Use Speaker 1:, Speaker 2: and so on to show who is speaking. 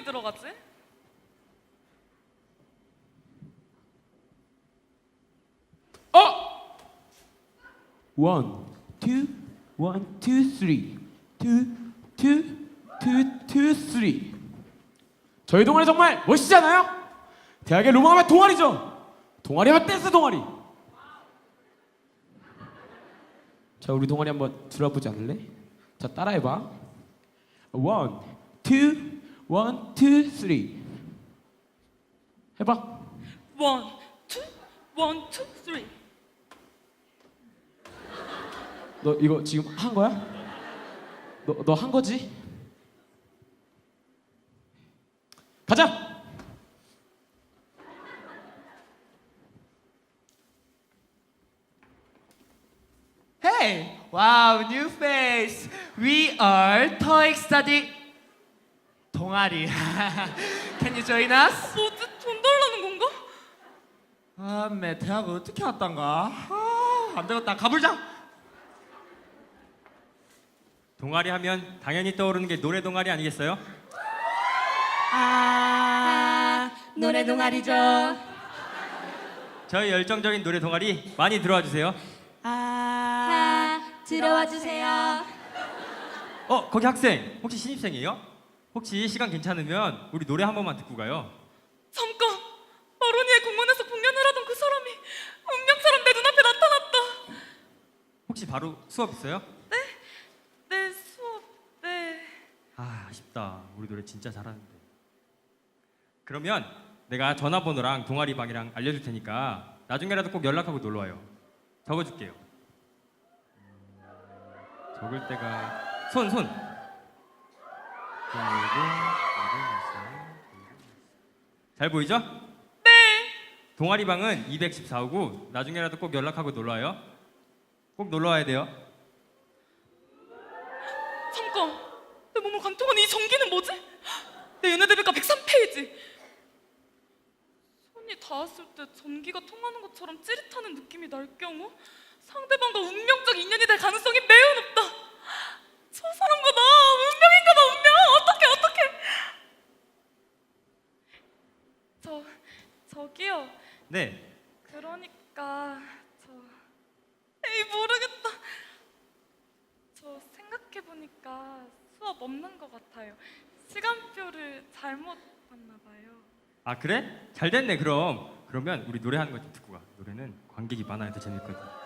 Speaker 1: 들어가지?
Speaker 2: One, two, one, two, three, two, two, two, two, three. 저희 동아리 정말 멋있지 않아요? 대학의 로망하면 동아리죠. 동아리하면 댄스 동아리. 자, 우리 동아리 한번 들어보지 않을래? 자, 따라해봐. One, one, two, three. 해봐.
Speaker 1: 원, 투, 쓰리.
Speaker 2: 너 이거 지금 한 거야? 너 한 거지? 가자.
Speaker 3: Hey! Wow, new face! We are TOEIC study 동아리. Can you join us?
Speaker 1: 뭐지? 돈 달라는 건가?
Speaker 3: 아, 매 대학 어떻게 왔단가? 아, 안 되겠다. 가불자.
Speaker 4: 동아리 하면 당연히 떠오르는 게 노래 동아리 아니겠어요?
Speaker 5: 노래 동아리죠.
Speaker 4: 저희 열정적인 노래 동아리 많이 들어와 주세요.
Speaker 5: 들어와 주세요.
Speaker 4: 거기 학생 혹시 신입생이에요? 혹시 시간 괜찮으면 우리 노래 한 번만 듣고 가요.
Speaker 1: 잠깐! 마로니에 공원에서 공연을 하던 그 사람이 운명처럼 내 눈앞에 나타났다.
Speaker 4: 혹시 바로 수업 있어요?
Speaker 1: 네, 수업, 네.
Speaker 4: 아, 아쉽다. 우리 노래 진짜 잘하는데. 그러면 내가 전화번호랑 동아리 방이랑 알려줄 테니까 나중에라도 꼭 연락하고 놀러 와요. 적어줄게요. 적을 때가 손. 잘 보이죠?
Speaker 1: 네.
Speaker 4: 동아리 방은 214호고 나중에라도 꼭 연락하고 놀러 와요. 꼭 놀러 와야 돼요.
Speaker 1: 잠깐! 내 몸을 관통하는 이 전기는 뭐지? 내 연애 데뷔가 103페이지. 손이 닿았을 때 전기가 통하는 것처럼 찌릿하는 느낌이 날 경우 상대방과 운명적 인연이 될 가능성이 매우 높다. 저 사람과 나 운명인가 봐. 운명. 어떡해. 저기요.
Speaker 4: 네.
Speaker 1: 그러니까 에이, 모르겠다. 저 생각해보니까 수업 없는 것 같아요. 시간표를 잘못 봤나 봐요.
Speaker 4: 아, 그래? 잘 됐네. 그러면 우리 노래하는 거 좀 듣고 가. 노래는 관객이 많아야 더 재밌거든.